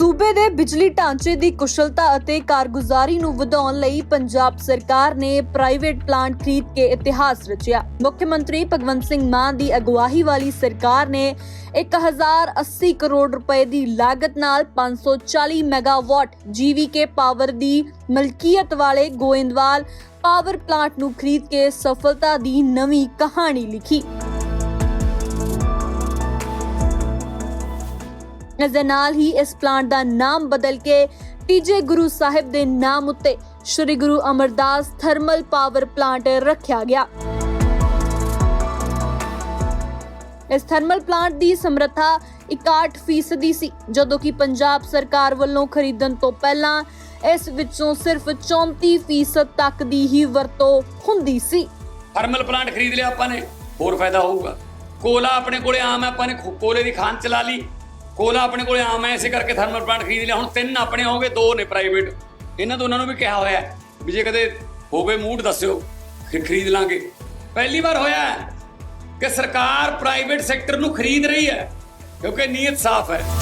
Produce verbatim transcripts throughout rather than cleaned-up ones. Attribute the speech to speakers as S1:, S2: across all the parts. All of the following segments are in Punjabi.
S1: सूबे दे बिजली ढांचे दी कुशलता ਅਤੇ कारगुजारी ਨੂੰ ਵਧਾਉਣ ਲਈ ਪੰਜਾਬ ਸਰਕਾਰ ਨੇ ਪ੍ਰਾਈਵੇਟ ਪਲਾਂਟ ਖਰੀਦ ਕੇ ਇਤਿਹਾਸ ਰਚਿਆ। ਮੁੱਖ ਮੰਤਰੀ ਭਗਵੰਤ ਸਿੰਘ ਮਾਨ ਦੀ ਅਗਵਾਈ ਵਾਲੀ ਸਰਕਾਰ ਨੇ ਇੱਕ ਹਜ਼ਾਰ अस्सी ਕਰੋੜ ਰੁਪਏ ਦੀ ਲਾਗਤ ਨਾਲ ਪੰਜ ਸੌ ਚਾਲੀ ਮੈਗਾਵਾਟ ਜੀਵੀਕੇ ਪਾਵਰ ਦੀ ਮਲਕੀਅਤ ਵਾਲੇ ਗੋਇੰਦਵਾਲ ਪਾਵਰ ਪਲਾਂਟ ਨੂੰ ਖਰੀਦ ਕੇ ਸਫਲਤਾ ਦੀ ਨਵੀਂ ਕਹਾਣੀ ਲਿਖੀ। इस दे नाल ही इस प्लांट का नाम बदल के तीजे गुरु साहिब दे नाम उत्ते श्री गुरु अमरदास थर्मल पावर प्लांट रखा गया। इस थर्मल प्लांट की समर्था इकाहठ फीसदी सी, जदों कि पंजाब सरकार वालों खरीदण तो पहला इस विचों सिर्फ चौंती फीसद तक दी ही वरतों हुंदी सी।
S2: थर्मल प्लांट खरीद लिया आपां ने, होर फायदा होऊगा। कोला अपने कोले आम है, आपां ने कोले की खान चला ली, कोला अपने को आम है, इसे करके थर्मल प्लांट खरीद लिया। हुण तीन अपने हो गए, दो ने प्राइवेट। इन्हां दोनों नूं भी कहा होया भी जे कदे हो गए मूड दस्सिओ, फिर खरीद लांगे। पहली बार होया कि सरकार प्राइवेट सैक्टर नूं खरीद रही है क्योंकि नीयत साफ है।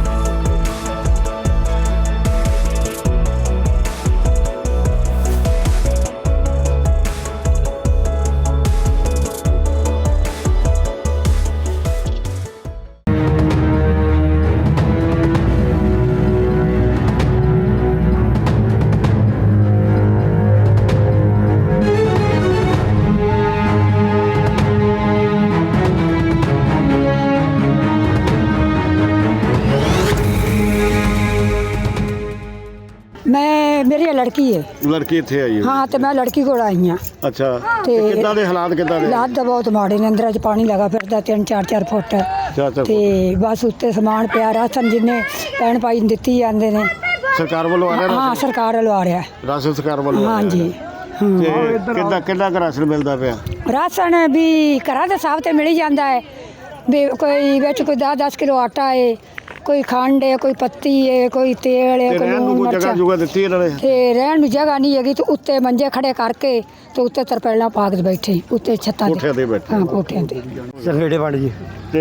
S3: मैं मेरी लड़की है
S4: लड़की इत्थे आई है।
S3: हाँ तो मैं लड़की को आई हाँ।
S4: अच्छा
S3: ते
S4: किद्दां दे हालात किद्दां दे?
S3: हालात तो बहुत माड़े ने, अंदर च पानी लगा फिरदा तीन चार चार फुट
S4: चार चार
S3: ते बस उत्ते समान पिया, राशन जिन्ने भैन भाई दित्ती जांदे ने
S4: सरकार वालों आ रहा
S3: हाँ
S4: राशन?
S3: सरकार वालों आ रहा है
S4: राशन सरकार वालों आ
S3: हाँ
S4: रहा
S3: जी
S4: है। ते किद्दां किद्दां दा राशन मिलदा पिया?
S3: राशन भी घरां दे साहब ते मिल ही जांदा है भी, कोई विच कोई दस दस किलो आटा है, कोई खंड है, कोई पत्ती है, कोई तेल है, कोई लूण
S4: जगह
S3: मिर्च
S4: जुगा दित्ती इन्हां ने?
S3: ते रहण नूं जगह नहीं हैगी, तो उत्ते मंजे खड़े करके तो उत्ते तरपेला पा के बैठे उत्ते छत्तां
S4: कोठियां ते बैठे।
S3: हाँ कोठियां ते
S5: संगेड़े वाले जी।
S4: ते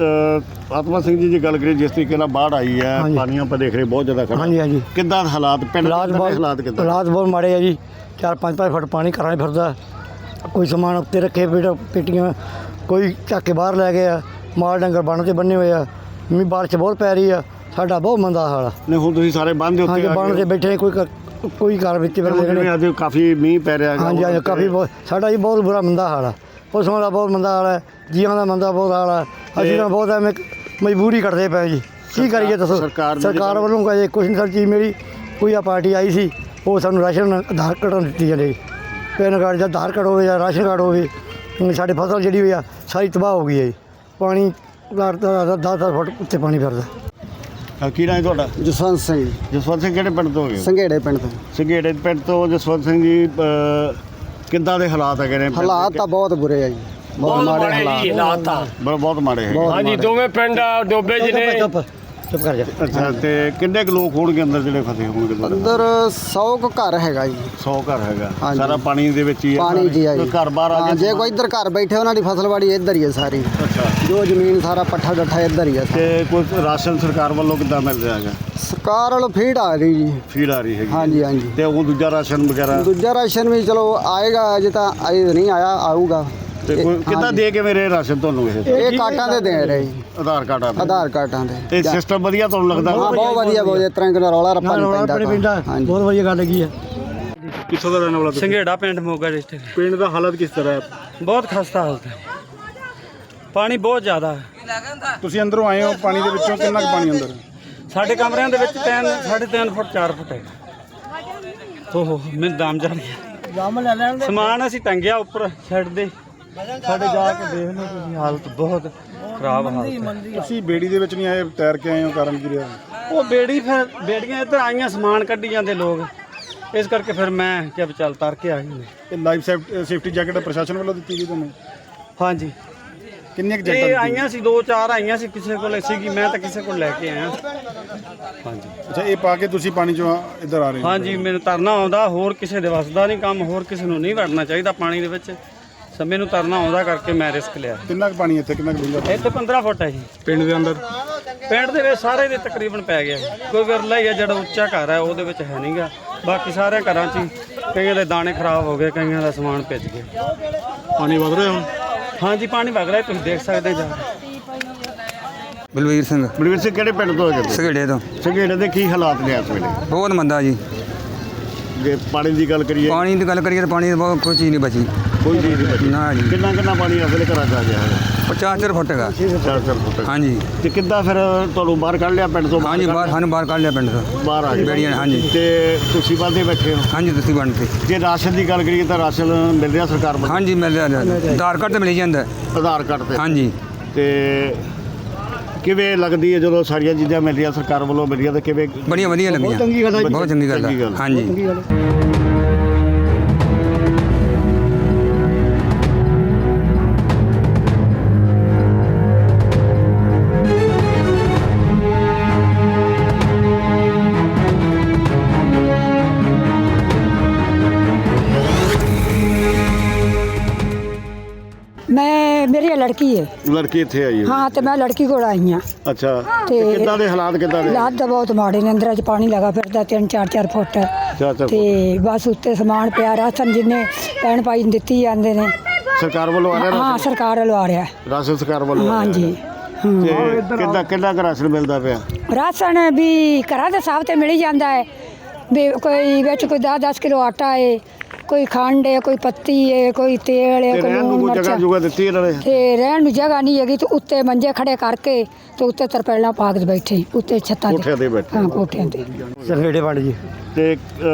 S4: आत्मा सिंह जी जी गल करिए, जिस तरीके नाल बाढ़ आई है, पानी आप देख रहे बहुत ज़्यादा खड़ा।
S5: हाँ जी हाँ जी।
S4: किद्दां हालात पिंड
S5: हालात
S4: दे
S5: बहुत
S4: हालात किद्दां?
S5: हालात बहुत माड़े है जी। चार पाँच पाँच फुट पानी घरां फिरदा, कोई समान उत्ते रखे पेट पेटियां, कोई चक के बाहर लै गया, माल डंगर बन ते बन्ने हुए आ। मी बारिश बहुत पै रही है, साडा बहुत मंदा हाल है।
S4: नहीं हुण तुसीं सारे बंद दे
S5: हाँ जी
S4: उत्ते
S5: बन ते बैठे कोई क- कोई घर विच फिरदे।
S4: अज काफ़ी मींह पै रहा है।
S5: हाँ जी हाँ जी काफ़ी बहुत साडा जी बहुत बुरा मंदा हाल है, पशुओं का बहुत मंदा हाल है, जीवां का मंदा बहुत हाल है। असीं तां बहुत एवें मजबूरी कटदे पए जी, की करिए दसो?
S4: सरकार
S5: सरकार वालों का जे कुछ नहीं चीज़ मिली। कोई आ पार्टी आई सी, वो सानूं राशन आधार कार्ड दित्ती जांदी, पैन कार्ड या आधार कार्ड होवे या राशन कार्ड होवे। साडी फसल जिहड़ी होई आ सारी तबाह हो गई है। पानी दस दस फुट उत्ते पानी फिरदा।
S4: की नाम है तुहाडा?
S6: जसवंत सिंह
S4: जसवंत सिंह किहड़े पिंड तो हो गए?
S6: संघेड़े पिंड ਤੋਂ।
S4: संघेड़े पिंड तो जसवंत सिंह जी किद्दां दे हालात है ने?
S6: ਹਾਲਾਤ ਤਾਂ ਬਹੁਤ ਬੁਰੇ ਆ ਜੀ, ਬਹੁਤ ਮਾੜੇ ਹਾਲਾਤ
S2: हालात था
S4: बड़ा बहुत माड़े है।
S2: हाँ जी, दोवें पिंड डोबे जी ने।
S5: चुप चुप कर जा।
S4: अच्छा ते किन्ने क लोग होणगे अंदर ਜਿਹੜੇ ਫਸੇ ਹੋਣਗੇ?
S6: ਅੰਦਰ सौ ਕੁ ਘਰ ਹੈਗਾ ਜੀ।
S4: सौ घर हैगा
S6: ਹਾਂਜੀ।
S4: ਸਾਰਾ ਪਾਣੀ ਦੇ ਵਿੱਚ ਹੀ ਹੈ?
S6: ਪਾਣੀ ਜੀ ਆ ਜੀ।
S4: ਕੋਈ ਘਰ ਬਾਹਰ ਆ
S6: ਹਾਂ,
S4: ਗਿਆ?
S6: ਜੇ ਕੋਈ ਇੱਧਰ ਘਰ ਬੈਠੇ ਉਹਨਾਂ ਦੀ ਫਸਲਵਾੜੀ ਇੱਧਰ ਹੀ ਹੈ ਸਾਰੀ,
S4: ਅੱਛਾ
S6: ਜੋ ਜ਼ਮੀਨ ਸਾਰਾ ਪੱਠਾ ਡੱਠਾ ਇੱਧਰ ਹੀ ਹੈ।
S4: ਤੇ ਕੋਈ ਰਾਸ਼ਨ ਸਰਕਾਰ ਵੱਲੋਂ ਕਿੱਦਾਂ ਮਿਲ ਰਿਹਾ ਹੈਗਾ?
S6: ਸਰਕਾਰ ਵੱਲੋਂ ਫੀਡ ਆ ਰਹੀ ਜੀ।
S4: ਫੀਡ ਆ ਰਹੀ ਹੈਗੀ?
S6: ਹਾਂਜੀ ਹਾਂਜੀ।
S4: ਤੇ ਉਹ ਦੂਜਾ ਰਾਸ਼ਨ ਵਗੈਰਾ?
S6: ਦੂਜਾ ਰਾਸ਼ਨ ਵੀ ਚਲੋ ਆਏਗਾ, ਅਜੇ ਤਾਂ ਅਜੇ ਨਹੀਂ ਆਇਆ, ਆਊਗਾ।
S4: ਤੇ ਕੋਈ ਕਿੱਦਾਂ ਦੇ ਕੇ ਮੇਰੇ ਰਾਸ਼ਨ ਤੁਹਾਨੂੰ ਇਹ?
S6: ਇਹ ਕਾਟਾਂ ਦੇ ਦੇ ਰਹੇ ਜੀ,
S4: ਆਧਾਰ ਕਾਰਡ ਆ?
S6: ਆਧਾਰ ਕਾਰਡਾਂ ਦੇ।
S4: ਤੇ ਸਿਸਟਮ ਵਧੀਆ ਤੁਹਾਨੂੰ ਲੱਗਦਾ?
S6: ਹਾਂ ਬਹੁਤ ਵਧੀਆ, ਬਹੁਤ ਇਸ ਤਰ੍ਹਾਂ ਕਿ ਰੌਲਾ ਰੱਪਾ ਨਹੀਂ ਪੈਂਦਾ।
S5: ਪਿੰਡਾ
S6: ਹਾਂਜੀ
S5: ਬਹੁਤ ਵਧੀਆ ਗੱਲ ਹੈਗੀ ਹੈ।
S4: ਕਿੱਥੋਂ ਦਾ ਰਹਿਣ ਵਾਲਾ ਤੁਸੀਂ?
S7: ਸੰਘੇੜਾ ਪਿੰਡ ਮੋਗਾ ਡਿਸਟ੍ਰਿਕਟ।
S4: ਪਿੰਡ ਦਾ ਹਾਲਤ ਕਿਸ ਤਰ੍ਹਾਂ ਹੈ?
S7: ਬਹੁਤ ਖਸਤਾ ਹਾਲਤ ਹੈ, ਪਾਣੀ ਬਹੁਤ ਜ਼ਿਆਦਾ ਹੈ।
S4: ਤੁਸੀਂ ਅੰਦਰੋਂ ਆਏ ਹੋ, ਪਾਣੀ ਦੇ ਵਿੱਚੋਂ ਕਿੰਨਾ ਕੁ ਪਾਣੀ ਅੰਦਰ?
S7: ਸਾਡੇ ਕਮਰਿਆਂ ਦੇ ਵਿੱਚ ਤਿੰਨ ਸਾਢੇ ਤਿੰਨ ਫੁੱਟ ਚਾਰ ਫੁੱਟ ਹੈ। ਓਹੋ ਮੈਨੂੰ ਦਮ ਜਾ ਰਿਹਾ। ਸਮਾਨ ਅਸੀਂ ਟੰਗਿਆ ਉੱਪਰ ਛੱਡ ਦੇ, ਸਾਡੇ ਜਾ ਕੇ ਦੇਖ ਲਓ ਤੁਸੀਂ, ਹਾਲਤ ਬਹੁਤ ਖਰਾਬ ਹਾਲਤ ਹੈ।
S4: ਤੁਸੀਂ ਬੇੜੀ ਦੇ ਵਿੱਚ ਨਹੀਂ ਆਏ, ਤੈਰ ਕੇ ਆਏ ਹੋ, ਕਾਰਨ ਕੀ ਰਿਹਾ?
S7: ਉਹ ਬੇੜੀ ਫਿਰ ਬੇੜੀਆਂ ਇੱਧਰ ਆਈਆਂ, ਸਮਾਨ ਕੱਢੀ ਜਾਂਦੇ ਲੋਕ, ਇਸ ਕਰਕੇ ਫਿਰ ਮੈਂ ਕਿਹਾ ਵੀ ਚੱਲ ਤਰ ਕੇ ਆ ਗਏ।
S4: ਇਹ ਲਾਈਫ ਸੇਫਟੀ ਜੈਕਟ ਪ੍ਰਸ਼ਾਸਨ ਵੱਲੋਂ ਦਿੱਤੀ ਗਈ ਤੁਹਾਨੂੰ?
S7: ਹਾਂਜੀ
S4: ਕਿੰਨੀਆਂ ਕੁ
S7: ਇਹ
S4: ਜੈਕਟਾਂ
S7: ਆਈਆਂ ਸੀ, ਦੋ ਚਾਰ ਆਈਆਂ ਸੀ, ਕਿਸੇ ਕੋਲ ਸੀਗੀ, ਮੈਂ ਤਾਂ ਕਿਸੇ ਕੋਲ ਲੈ ਕੇ ਆਇਆ। ਹਾਂਜੀ
S4: ਅੱਛਾ, ਇਹ ਪਾ ਕੇ ਤੁਸੀਂ ਪਾਣੀ ਚੋਂ ਇੱਧਰ ਆ ਰਹੇ ਹੋ?
S7: ਹਾਂਜੀ ਮੈਨੂੰ ਤਰਨਾ ਆਉਂਦਾ, ਹੋਰ ਕਿਸੇ ਦੇ ਵੱਸਦਾ ਨਹੀਂ ਕੰਮ, ਹੋਰ ਕਿਸੇ ਨੂੰ ਨਹੀਂ ਵੜਨਾ ਚਾਹੀਦਾ ਪਾਣੀ ਦੇ ਵਿੱਚ। ਸਮੇਂ ਨੂੰ ਤਰਨਾ ਆਉਂਦਾ ਕਰਕੇ ਮੈਂ ਰਿਸਕ ਲਿਆ।
S4: ਕਿੰਨਾ ਕੁ ਪਾਣੀ ਇੱਥੇ, ਕਿੰਨਾ ਕੁ ਡੂੰਘਾ?
S7: ਇੱਥੇ ਪੰਦਰਾਂ ਫੁੱਟ ਹੈ ਜੀ
S4: ਪਿੰਡ ਦੇ ਅੰਦਰ?
S7: ਪਿੰਡ ਦੇ ਵਿੱਚ ਸਾਰੇ ਦੇ ਤਕਰੀਬਨ ਪੈ ਗਿਆ ਕੋਈ ਵਿਰਲਾ ਹੀ ਆ ਜਿਹੜਾ ਉੱਚਾ ਘਰ ਹੈ ਉਹਦੇ ਵਿੱਚ ਹੈ ਨਹੀਂਗਾ ਬਾਕੀ ਸਾਰੇ ਘਰਾਂ 'ਚ ਹੀ ਕਈਆਂ ਦੇ ਦਾਣੇ ਖਰਾਬ ਹੋ ਗਏ ਕਈਆਂ ਦਾ ਸਮਾਨ ਭਿੱਜ ਗਿਆ
S4: ਪਾਣੀ ਵਧ ਰਿਹਾ ਹੁਣ
S7: ਹਾਂਜੀ ਪਾਣੀ ਵਗ ਰਿਹਾ ਤੁਸੀਂ ਦੇਖ ਸਕਦੇ ਜਾ
S8: ਬਲਵੀਰ ਸਿੰਘ
S4: ਬਲਵੀਰ ਸਿੰਘ ਕਿਹੜੇ ਪਿੰਡ ਤੋਂ ਹੈਗੇ
S8: ਸਗੇੜੇ ਤੋਂ
S4: ਸੰਘੇੜੇ ਦੇ ਕੀ ਹਾਲਾਤ ਨੇ ਇਸ ਵੇਲੇ
S8: ਬਹੁਤ ਮੰਦਾ ਜੀ।
S4: ਜੇ ਪਾਣੀ ਦੀ ਗੱਲ ਕਰੀਏ
S8: ਪਾਣੀ ਦੀ ਗੱਲ ਕਰੀਏ ਤਾਂ ਪਾਣੀ ਦੀ ਬਹੁਤ ਕੋਈ ਚੀਜ਼ ਨਹੀਂ ਬਚੀ।
S4: ਕੋਈ ਚੀਜ਼ ਨਹੀਂ ਬਚੀ
S8: ਨਾ ਜੀ
S4: ਕਿੰਨਾ ਕਿੰਨਾ ਪਾਣੀ ਇਸ ਵੇਲੇ ਘਰਾਂ 'ਚ ਆ ਗਿਆ ਹੈ
S8: ਪਚਾਸ ਚਾਰ ਫੁੱਟ ਹੈਗਾ।
S4: ਚਾਰ ਚਾਰ ਫੁੱਟ
S8: ਹਾਂਜੀ
S4: ਤੇ ਕਿੱਦਾਂ ਫਿਰ ਤੁਹਾਨੂੰ ਬਾਹਰ ਕੱਢ ਲਿਆ ਪਿੰਡ ਤੋਂ
S8: ਹਾਂਜੀ ਬਾਹਰ ਸਾਨੂੰ ਬਾਹਰ ਕੱਢ ਲਿਆ ਪਿੰਡ ਤੋਂ
S4: ਬਾਹਰ ਆ ਗਏ
S8: ਬੇੜੀਆਂ ਨੇ, ਹਾਂਜੀ।
S4: ਤੇ ਤੁਸੀਂ ਬੰਦੇ ਬੈਠੇ ਹੋ
S8: ਹਾਂਜੀ ਤੁਸੀਂ ਬਣ ਤੇ
S4: ਜੇ ਰਾਸ਼ਨ ਦੀ ਗੱਲ ਕਰੀਏ ਤਾਂ ਰਾਸ਼ਨ ਮਿਲ ਰਿਹਾ ਸਰਕਾਰ ਵੱਲੋਂ
S8: ਹਾਂਜੀ ਮਿਲ ਰਿਹਾ ਆਧਾਰ ਕਾਰਡ ਤੇ ਮਿਲ ਜਾਂਦਾ।
S4: ਆਧਾਰ ਕਾਰਡ ਤੇ
S8: ਹਾਂਜੀ
S4: ਤੇ ਕਿਵੇਂ ਲੱਗਦੀ ਹੈ ਜਦੋਂ ਸਾਰੀਆਂ ਚੀਜ਼ਾਂ ਮਿਲ ਰਹੀਆਂ ਸਰਕਾਰ ਵੱਲੋਂ ਮਿਲ ਰਹੀਆਂ ਤਾਂ ਕਿਵੇਂ
S8: ਬੜੀਆਂ ਵਧੀਆ ਲੱਗੀਆਂ।
S4: ਬਹੁਤ ਚੰਗੀ ਗੱਲ ਹੈ।
S8: ਬਹੁਤ ਚੰਗੀ ਗੱਲ
S4: ਚੰਗੀ
S8: ਹੈ।
S4: ਗੱਲ ਹੈ।
S8: ਹਾਂਜੀ
S3: ਮੈਂ ਮੇਰੀ ਇਹ ਲੜਕੀ ਹੈ।
S4: ਲੜਕੀ ਇੱਥੇ ਆਈ ਹੈ
S3: ਹਾਂ ਤੇ ਮੈਂ ਲੜਕੀ ਕੋਲ ਆਈ ਹਾਂ।
S4: ਅੱਛਾ
S3: ਤੇ
S4: ਤੇ ਕਿੱਦਾਂ ਦੇ ਹਾਲਾਤ ਕਿੱਦਾਂ ਦੇ
S3: ਹਾਲਾਤ ਤਾਂ ਬਹੁਤ ਮਾੜੇ ਨੇ। ਅੰਦਰ 'ਚ ਪਾਣੀ ਲਗਾ ਫਿਰਦਾ ਤਿੰਨ ਚਾਰ ਚਾਰ ਫੁੱਟ
S4: ਚਾਰ ਚਾਰ
S3: ਤੇ ਬਸ ਉੱਤੇ ਸਮਾਨ ਪਿਆ ਰਾਸ਼ਨ ਜਿੰਨੇ ਪੈਣ ਪਾਈ ਨੂੰ ਦਿੱਤੀ ਜਾਂਦੇ ਨੇ।
S4: ਸਰਕਾਰ ਵੱਲੋਂ ਆ ਰਿਹਾ
S3: ਹਾਂ
S4: ਰਾਸ਼ਨ
S3: ਸਰਕਾਰ ਵੱਲੋਂ ਆ ਰਿਹਾ।
S4: ਰਾਸ਼ਨ ਸਰਕਾਰ ਵੱਲੋਂ ਆ ਰਿਹਾ।
S3: ਹਾਂਜੀ
S4: ਤੇ ਕਿੱਦਾਂ ਕਿੰਨਾ ਕੁ ਰਾਸ਼ਨ ਮਿਲਦਾ ਪਿਆ
S3: ਰਾਸ਼ਨ ਵੀ ਘਰਾਂ ਦੇ ਹਿਸਾਬ ਤੇ ਮਿਲ ਹੀ ਜਾਂਦਾ ਹੈ ਵੀ ਕੋਈ ਵਿੱਚ ਕੋਈ ਦਸ ਦਸ ਕਿਲੋ ਆਟਾ ਹੈ ਕੋਈ ਖੰਡ ਹੈ ਕੋਈ ਪੱਤੀ ਹੈ ਕੋਈ ਤੇਲ ਹੈ
S4: ਤੇ
S3: ਕੋਈ
S4: ਰਹਿਣ ਨੂੰ
S3: ਲੂਣ
S4: ਕੋਈ ਜਗ੍ਹਾ
S3: ਮਿਰਚ
S4: ਜੁਗਾ ਦਿੱਤੀ ਇਹਨਾਂ ਨੇ
S3: ਤੇ ਰਹਿਣ ਨੂੰ ਜਗ੍ਹਾ ਨਹੀਂ ਹੈਗੀ ਤੇ ਉੱਤੇ ਮੰਜੇ ਖੜੇ ਕਰਕੇ ਤੇ ਉੱਤੇ ਤਰਪੈਲਾਂ ਪਾ ਕੇ ਬੈਠੇ ਉੱਤੇ ਛੱਤਾਂ
S4: ਕੋਠਿਆਂ ਤੇ ਬੈਠੇ।
S3: ਹਾਂ ਕੋਠਿਆਂ ਤੇ
S5: ਸੰਘੇੜੇ ਪਿੰਡ ਜੀ।
S4: ਤੇ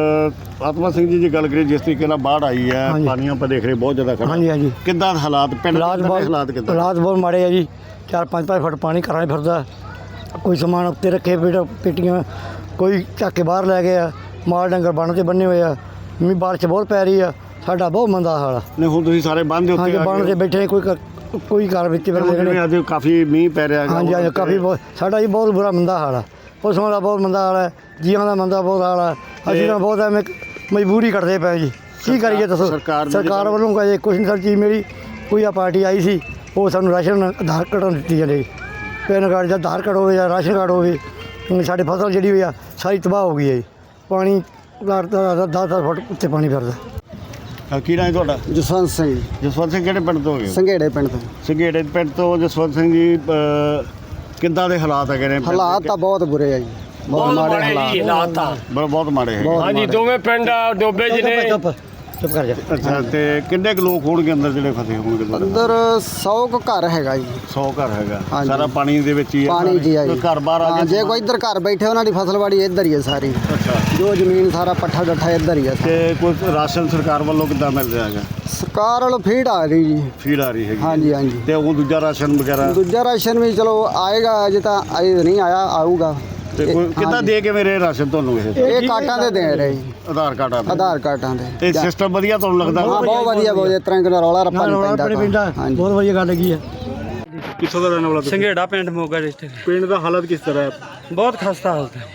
S4: ਅਹ, ਆਤਮਾ ਸਿੰਘ ਜੀ ਦੀ ਗੱਲ ਕਰੀਏ ਜਿਸ ਤਰੀਕੇ ਨਾਲ ਬਾੜ ਆਈ ਹੈ
S5: ਹਾਂਜੀ।
S4: ਪਾਣੀ ਆਪਾਂ ਦੇਖ ਰਹੇ ਬਹੁਤ ਜ਼ਿਆਦਾ ਖੜਾ
S5: ਹਾਂਜੀ ਹਾਂਜੀ
S4: ਕਿੱਦਾਂ ਦੇ ਹਾਲਾਤ ਪਿੰਡ ਦੇ
S5: ਹਾਲਾਤ
S4: ਕਿੱਦਾਂ ਦੇ
S5: ਬਹੁਤ
S4: ਹਾਲਾਤ ਕਿੱਦਾਂ
S5: ਹਾਲਾਤ ਬਹੁਤ ਮਾੜੇ ਆ ਜੀ। ਚਾਰ ਪੰਜ ਪੰਜ ਫੁੱਟ ਪਾਣੀ ਘਰਾਂ 'ਚ ਫਿਰਦਾ। ਕੋਈ ਸਮਾਨ ਉੱਤੇ ਰੱਖੇ ਬੇਟਾ ਪੇਟੀਆਂ ਕੋਈ ਚੱਕ ਕੇ ਬਾਹਰ ਲੈ ਗਿਆ। ਮਾਲ ਡੰਗਰ ਬੰਨ ਤੇ ਬੰਨੇ ਹੋਏ ਆ। ਮੀਂਹ ਬਾਰਿਸ਼ ਬਹੁਤ ਪੈ ਰਹੀ ਆ। ਸਾਡਾ ਬਹੁਤ ਮੰਦਾ ਹਾਲ ਆ।
S4: ਨੇ ਹੁਣ ਤੁਸੀਂ ਸਾਰੇ ਬੰਦ ਦੇ ਉੱਤੇ
S5: ਹਾਂਜੀ
S4: ਆ
S5: ਬੰਨ
S4: ਗਏ
S5: ਤੇ ਬੈਠੇ ਕੋਈ ਘਰ- ਕੋਈ ਘਰ ਵਿੱਚ
S4: ਹੋ।
S5: ਫਿਰਦੇ
S4: ਜਿਵੇਂ
S5: ਨੇ।
S4: ਅੱਜ ਕਾਫੀ ਮੀਂਹ ਪੈ ਰਿਹਾ ਹੈਗਾ।
S5: ਹਾਂਜੀ ਹਾਂਜੀ ਕਾਫੀ ਬਹੁਤ ਸਾਡਾ ਜੀ ਬਹੁਤ ਬੁਰਾ ਮੰਦਾ ਹਾਲ ਆ। ਪਸ਼ੂਆਂ ਦਾ ਬਹੁਤ ਮੰਦਾ ਹਾਲ ਹੈ। ਜੀਵਾਂ ਦਾ ਮੰਦਾ ਬਹੁਤ ਹਾਲ ਆ। ਅਸੀਂ ਤਾਂ ਬਹੁਤ ਐਵੇਂ ਮਜਬੂਰੀ ਕੱਟਦੇ ਪਏ ਜੀ। ਕੀ ਕਰੀਏ ਦੱਸੋ
S4: ਸਰਕਾਰ ਨੇ
S5: ਸਰਕਾਰ
S4: ਜਦੋਂ-
S5: ਵੱਲੋਂ ਕਹੇ ਕੁਛ ਨਹੀਂ ਸਰ ਚੀਜ਼ ਮੇਰੀ ਕੋਈ ਆ ਪਾਰਟੀ ਆਈ ਸੀ ਉਹ ਸਾਨੂੰ ਰਾਸ਼ਨ ਆਧਾਰ ਕਾਰਡ ਦਿੱਤੀ ਜਾਂਦੇ। ਪੈਨ ਕਾਰਡ ਜਾਂ ਆਧਾਰ ਕਾਰਡ ਹੋਵੇ ਜਾਂ ਰਾਸ਼ਨ ਕਾਰਡ ਹੋਵੇ ਹੁਣ ਸਾਡੀ ਫਸਲ ਜਿਹੜੀ ਹੋਈ ਆ ਸਾਰੀ ਤਬਾਹ ਹੋ ਗਈ ਹੈ ਜੀ। ਪਾਣੀ ਦਸ ਦਸ ਫੁੱਟ ਉੱਤੇ ਪਾਣੀ ਫਿਰਦਾ।
S4: ਅਹ, ਕੀ ਨਾਂ ਹੈ ਤੁਹਾਡਾ
S6: ਜਸਵੰਤ ਸਿੰਘ
S4: ਜਸਵੰਤ ਸਿੰਘ ਕਿਹੜੇ ਪਿੰਡ ਤੋਂ ਹੈਗੇ ਹੋ?
S6: ਸੰਘੇੜੇ ਪਿੰਡ ਤੋਂ।
S4: ਸੰਘੇੜੇ ਪਿੰਡ ਤੋਂ ਜਸਵੰਤ ਸਿੰਘ ਜੀ ਅਹ, ਕਿੱਦਾਂ ਦੇ ਹਾਲਾਤ ਹੈਗੇ ਨੇ ਪਿੰਡ ਦੇ?
S6: ਹਾਲਾਤ ਤਾਂ ਬਹੁਤ ਬੁਰੇ ਆ ਜੀ ਬਹੁਤ ਮਾੜੇ ਹਾਲਾਤ
S4: ਬ- ਬਹੁਤ ਮਾੜੇ ਹੈਗੇ
S6: ਹਾਂਜੀ ਦੋਵੇਂ
S9: ਪਿੰਡ ਡੋਬੇ ਜਿਹਨੇ
S5: ਚੁੱਪ ਚੁੱਪ ਕਰ ਜਾ।
S4: ਅੱਛਾ ਤੇ ਕਿੰਨੇ ਕੁ ਲੋਕ ਹੋਣਗੇ ਅੰਦਰ ਜਿਹੜੇ ਫਸੇ ਹੋਣਗੇ ਤੁਹਾਡੇ?
S6: ਅੰਦਰ ਸੌ ਕੁ ਘਰ ਹੈਗਾ ਜੀ
S4: ਸੌ ਘਰ ਹੈਗਾ
S6: ਹਾਂਜੀ।
S4: ਸਾਰਾ ਪਾਣੀ ਦੇ ਵਿੱਚ ਹੀ ਹੈ
S6: ਪਾਣੀ ਜੀ ਆ ਜੀ
S4: ਕੋਈ ਘਰ ਬਾਹਰ ਆ
S6: ਹਾਂ,
S4: ਗਿਆ
S6: ਜੇ ਕੋਈ ਇੱਧਰ ਘਰ ਬੈਠੇ ਉਹਨਾਂ ਦੀ ਫਸਲਵਾੜੀ ਇੱਧਰ ਹੀ ਹੈ ਸਾਰੀ
S4: ਅੱਛਾ
S6: ਜੋ ਜ਼ਮੀਨ ਸਾਰਾ ਪੱਠਾ ਡੱਠਾ ਇੱਧਰ ਹੀ ਹੈ
S4: ਤੇ ਕੋਈ ਰਾਸ਼ਨ ਸਰਕਾਰ ਵੱਲੋਂ ਕਿੱਦਾਂ ਮਿਲ ਰਿਹਾ ਹੈਗਾ
S6: ਸਰਕਾਰ ਵੱਲੋਂ ਫੀਡ ਆ ਰਹੀ ਜੀ
S4: ਫੀਡ ਆ ਰਹੀ ਹੈਗੀ
S6: ਹਾਂਜੀ ਹਾਂਜੀ
S4: ਤੇ ਉਹ ਦੂਜਾ ਰਾਸ਼ਨ ਵਗੈਰਾ
S6: ਦੂਜਾ ਰਾਸ਼ਨ ਵੀ ਚਲੋ ਆਏਗਾ ਅਜੇ ਤਾਂ ਅਜੇ ਨਹੀਂ ਆਇਆ ਆਊਗਾ
S4: ਤੇ ਕੋਈ ਕਿੱਦਾਂ
S6: ਹਾਂਜੀ।
S4: ਦੇ ਕੇ ਮੇਰੇ ਰਾਸ਼ਨ ਤੁਹਾਨੂੰ ਇਹ
S6: ਇਹ ਕਾਟਾਂ ਦੇ ਦੇ ਰਹੇ ਜੀ
S4: ਆਧਾਰ ਕਾਰਡ ਆ
S6: ਆਧਾਰ ਕਾਰਡਾਂ ਦੇ
S4: ਇਹ ਸਿਸਟਮ ਵਧੀਆ ਤੁਹਾਨੂੰ ਲੱਗਦਾ
S6: ਹਾਂ ਬਹੁਤ ਵਧੀਆ ਬਹੁਤ ਇਸ ਤਰ੍ਹਾਂ ਦਾ ਰੌਲਾ ਰੱਪਾ
S5: ਨਾਲ
S6: ਨਹੀਂ
S5: ਆਪਣੇ ਪਿੰਡ
S6: ਪੈਂਦਾ ਹਾਂਜੀ
S5: ਬਹੁਤ ਵਧੀਆ ਗੱਲ ਹੈਗੀ ਆ।
S4: ਕਿੱਥੋਂ ਦਾ ਰਹਿਣ ਵਾਲਾ
S7: ਸੰਘੇੜਾ ਪਿੰਡ ਮੋਗਾ ਡਿਸਟ੍ਰਿਕਟ।
S4: ਪਿੰਡ ਦਾ ਹਾਲਤ ਕਿਸ ਤਰ੍ਹਾਂ ਹੈ
S7: ਬਹੁਤ ਖਸਤਾ ਹਾਲਤ ਹੈ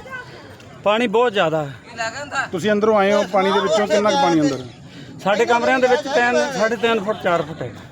S7: ਪਾਣੀ ਬਹੁਤ ਜ਼ਿਆਦਾ ਹੈ।
S4: ਤੁਸੀਂ ਅੰਦਰੋਂ ਆਏ ਹੋ ਪਾਣੀ ਦੇ ਵਿੱਚੋਂ ਕਿੰਨਾ ਕੁ ਪਾਣੀ ਅੰਦਰ
S7: ਸਾਡੇ ਕਮਰਿਆਂ ਦੇ ਵਿੱਚ ਤਿੰਨ ਸਾਢੇ ਤਿੰਨ ਫੁੱਟ ਚਾਰ ਫੁੱਟ ਹੈ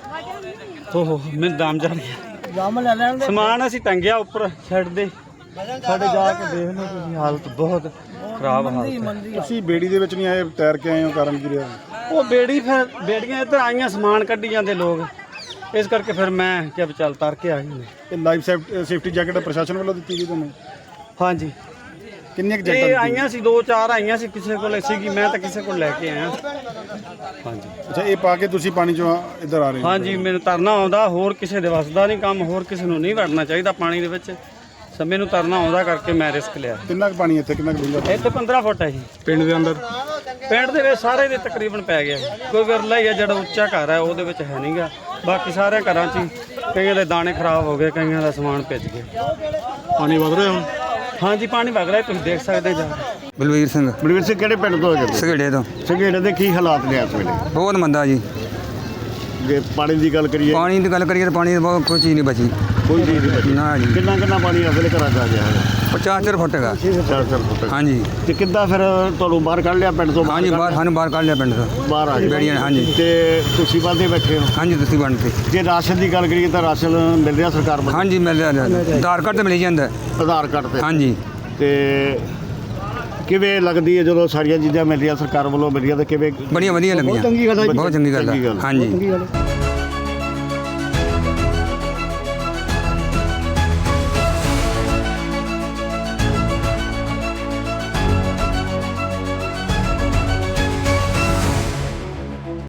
S7: ਓਹੋ ਮੈਨੂੰ ਦਮ ਜਾ ਰਿਹਾ ਸਮਾਨ ਅਸੀਂ ਟੰਗਿਆ ਉੱਪਰ ਛੱਡ ਦੇ ਸਾਡੇ ਜਾ ਕੇ ਦੇਖ ਲਓ ਤੁਸੀਂ ਹਾਲਤ ਬਹੁਤ ਖਰਾਬ ਹਾਲਤ ਹੈ।
S4: ਤੁਸੀਂ ਬੇੜੀ ਦੇ ਵਿੱਚ ਨਹੀਂ ਆਏ ਤੈਰ ਕੇ ਆਏ ਹੋ ਕਾਰਨ ਕੀ ਰਿਹਾ
S7: ਉਹ ਬੇੜੀ ਫਿਰ ਬੇੜੀਆਂ ਇੱਧਰ ਆਈਆਂ ਸਮਾਨ ਕੱਢੀ ਜਾਂਦੇ ਲੋਕ ਇਸ ਕਰਕੇ ਫਿਰ ਮੈਂ ਕਿਹਾ ਵੀ ਚੱਲ ਤਰ ਕੇ ਆ ਗਏ
S4: ਇਹ ਲਾਈਫ ਸੇਫਟੀ ਜੈਕਟ ਪ੍ਰਸ਼ਾਸਨ ਵੱਲੋਂ ਦਿੱਤੀ ਗਈ ਤੁਹਾਨੂੰ
S7: ਹਾਂਜੀ
S4: ਕਿੰਨੀਆਂ ਕੁ
S7: ਇਹ ਆਈਆਂ ਸੀ ਦੋ ਚਾਰ ਆਈਆਂ ਸੀ ਕਿਸੇ ਕੋਲ ਸੀਗੀ ਮੈਂ ਤਾਂ ਕਿਸੇ ਕੋਲ ਲੈ ਕੇ ਆਇਆ ਹਾਂਜੀ
S4: ਅੱਛਾ ਇਹ ਪਾ ਕੇ ਤੁਸੀਂ ਪਾਣੀ ਚੋਂ ਇੱਧਰ ਆ ਰਹੇ
S7: ਹਾਂਜੀ ਮੈਨੂੰ ਤਰਨਾ ਆਉਂਦਾ ਹੋਰ ਕਿਸੇ ਦੇ ਵੱਸਦਾ ਨਹੀਂ ਕੰਮ ਹੋਰ ਕਿਸੇ ਨੂੰ ਨਹੀਂ ਵੜਨਾ ਚਾਹੀਦਾ ਪਾਣੀ ਦੇ ਵਿੱਚ ਸਮੇਂ ਨੂੰ ਤਰਨਾ ਆਉਂਦਾ ਕਰਕੇ ਮੈਂ ਰਿਸਕ ਲਿਆ
S4: ਕਿੰਨਾ ਕੁ ਪਾਣੀ ਇੱਥੇ ਕਿੰਨਾ ਕੁ ਡੂੰਘਾ
S7: ਇੱਥੇ ਪੰਦਰਾਂ ਫੁੱਟ ਹੈ ਜੀ
S4: ਪਿੰਡ ਦੇ ਅੰਦਰ
S7: ਪਿੰਡ ਦੇ ਵਿੱਚ ਸਾਰੇ ਦੇ ਤਕਰੀਬਨ ਪੈ ਗਿਆ ਕੋਈ ਵਿਰਲਾ ਹੀ ਆ ਜਿਹੜਾ ਉੱਚਾ ਘਰ ਹੈ ਉਹਦੇ ਵਿੱਚ ਹੈ ਨਹੀਂਗਾ ਬਾਕੀ ਸਾਰੇ ਘਰਾਂ 'ਚ ਹੀ ਕਈਆਂ ਦੇ ਦਾਣੇ ਖਰਾਬ ਹੋ ਗਏ ਕਈਆਂ ਦਾ ਸਮਾਨ ਭਿੱਜ ਗਿਆ
S4: ਪਾਣੀ ਵਧ ਰਿਹਾ ਹੁਣ
S7: ਹਾਂਜੀ ਪਾਣੀ ਵਗ ਰਿਹਾ ਤੁਸੀਂ ਦੇਖ ਸਕਦੇ ਜਾ
S8: ਬਲਵੀਰ ਸਿੰਘ
S4: ਬਲਵੀਰ ਸਿੰਘ ਕਿਹੜੇ ਪਿੰਡ ਤੋਂ ਹੈਗੇ
S8: ਸਗੇੜੇ ਤੋਂ
S4: ਸੰਘੇੜੇ ਦੇ ਕੀ ਹਾਲਾਤ ਨੇ ਇਸ ਵੇਲੇ
S8: ਬਹੁਤ ਮੰਦਾ ਜੀ।
S4: ਜੇ ਪਾਣੀ ਦੀ ਗੱਲ ਕਰੀਏ
S8: ਪਾਣੀ ਦੀ ਗੱਲ ਕਰੀਏ ਤਾਂ ਪਾਣੀ ਦੀ ਬਹੁਤ ਕੋਈ ਚੀਜ਼ ਨਹੀਂ ਬਚੀ।
S4: ਕੋਈ ਚੀਜ਼ ਨਹੀਂ ਬਚੀ
S8: ਨਾ ਜੀ
S4: ਕਿੰਨਾ ਕਿੰਨਾ ਪਾਣੀ ਇਸ ਵੇਲੇ ਘਰਾਂ 'ਚ ਆ ਗਿਆ ਹੈ
S8: ਪਚਾਸ ਫੁੱਟ ਹੈਗਾ
S4: ਚਾਰ ਚਾਰ ਫੁੱਟ
S8: ਹਾਂਜੀ
S4: ਤੇ ਕਿੱਦਾਂ ਫਿਰ ਤੁਹਾਨੂੰ ਬਾਹਰ ਕੱਢ ਲਿਆ ਪਿੰਡ ਤੋਂ
S8: ਹਾਂਜੀ ਬਾਹਰ ਸਾਨੂੰ ਬਾਹਰ ਕੱਢ ਲਿਆ ਪਿੰਡ ਤੋਂ
S4: ਬਾਹਰ ਆ ਗਏ
S8: ਬੇੜੀਆਂ ਨੇ, ਹਾਂਜੀ।
S4: ਤੇ ਤੁਸੀਂ ਬੰਦੇ ਬੈਠੇ ਹੋ
S8: ਹਾਂਜੀ ਤੁਸੀਂ ਬਣ ਤੇ
S4: ਜੇ ਰਾਸ਼ਨ ਦੀ ਗੱਲ ਕਰੀਏ ਤਾਂ ਰਾਸ਼ਨ ਮਿਲ ਰਿਹਾ ਸਰਕਾਰ ਵੱਲੋਂ
S8: ਹਾਂਜੀ ਮਿਲ ਰਿਹਾ ਆਧਾਰ ਕਾਰਡ ਤੇ ਮਿਲ ਜਾਂਦਾ ਹੈ।
S4: ਆਧਾਰ ਕਾਰਡ ਤੇ
S8: ਹਾਂਜੀ
S4: ਤੇ ਕਿਵੇਂ ਲੱਗਦੀ ਹੈ ਜਦੋਂ ਸਾਰੀਆਂ ਚੀਜ਼ਾਂ ਮਿਲ ਰਹੀਆਂ ਸਰਕਾਰ ਵੱਲੋਂ ਮਿਲ ਰਹੀਆਂ ਤਾਂ ਕਿਵੇਂ
S8: ਬੜੀਆਂ ਵਧੀਆ ਲੱਗੀਆਂ
S4: ਚੰਗੀ ਗੱਲ ਹੈ।
S8: ਬਹੁਤ ਚੰਗੀ ਗੱਲ
S4: ਚੰਗੀ
S8: ਹੈ
S4: ਗੱਲ ਹੈ।
S8: ਹਾਂਜੀ
S5: ਚੰਗੀ ਗੱਲ ਹੈ।